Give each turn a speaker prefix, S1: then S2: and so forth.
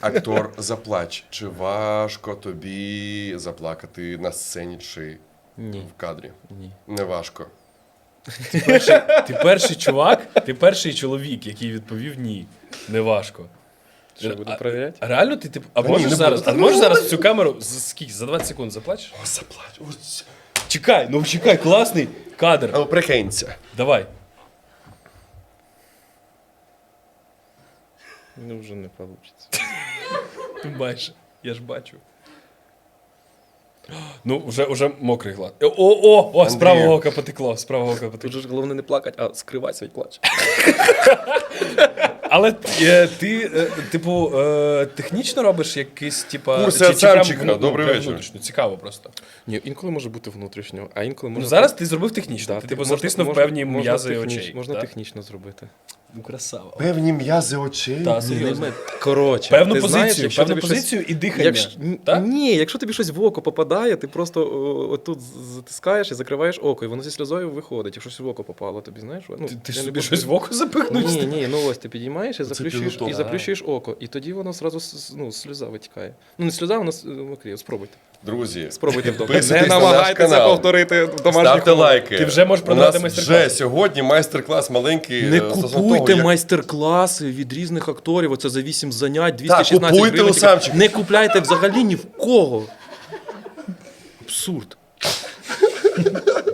S1: Актор, заплач. Чи важко тобі заплакати на сцені чи
S2: Ні.
S1: в кадрі?
S2: Ні.
S1: Не важко.
S3: Ти перший чувак, ти перший чоловік, який відповів ні. Неважко.
S2: Що, буду перевіряти?
S3: А реально ти типу, а
S1: Та
S3: можеш
S1: ні, не
S3: зараз,
S1: буду.
S3: а можеш зараз в цю камеру за скільки? За 20 секунд заплачеш?
S1: О, заплач. Ось.
S3: Чекай, ну чекай, класний кадр.
S1: Ну, прикинься.
S3: Давай.
S2: Ну, вже не вийде.
S3: Майже. Я ж бачу. Ну, вже мокрий глад. О, з правого ока потекло, з правого ока
S2: Тут
S3: потекло.
S2: же ж головне не плакати, а скривати свій плач.
S3: Але ти, типу, технічно робиш якийсь, типа...
S1: Курси
S3: чи прям,
S1: Артемчика.
S3: ну,
S1: Добрий
S3: прям
S1: вечір.
S3: внутрішньо? Цікаво просто.
S2: Ні, інколи може бути внутрішньо, а інколи може...
S3: Ну, зараз ти зробив технічно.
S2: Да,
S3: ти, типу,
S2: можна-
S3: затиснув
S2: можна-
S3: певні
S2: можна
S3: м'язи
S2: техніч-
S3: очей.
S2: Можна
S3: да?
S2: технічно зробити.
S3: Ну, красава.
S1: Певні м'язи очей.
S3: Та, серйозно.
S2: Коротше,
S3: Певну
S2: ти
S3: позицію,
S2: знаєш, якщо
S3: певну
S2: тобі
S3: позицію і дихання.
S2: Якщо...
S3: Так?
S2: Ні, якщо тобі щось в око попадає, ти просто отут затискаєш і закриваєш око, і воно зі сльозою виходить. Якщо щось в око попало, тобі знаєш? Ну,
S3: Ти
S2: я
S3: собі
S2: не
S3: щось в око запихнув?
S2: Ні, ну ось ти підіймаєш і
S1: підготовка.
S2: заплющуєш око. І тоді воно зразу сльоза витікає. Ну, не сльоза, воно мокріє. Спробуйте.
S1: Друзі,
S2: Спробуйте вдома.
S1: підписуйтесь
S2: Не
S1: на наш
S2: намагайтеся
S1: канал.
S2: повторити в домашніх
S1: Ставте
S2: умовах.
S1: лайки.
S3: Ти вже можеш продавати
S1: У нас
S3: майстер-клас.
S1: вже сьогодні майстер-клас маленький.
S2: Не
S1: стосовно
S2: купуйте
S1: того, як-
S2: майстер-класи від різних акторів. Оце за 8 занять, 216
S1: купуйте
S2: гривень.
S1: у Самчика.
S2: Не купляйте взагалі ні в кого. Абсурд.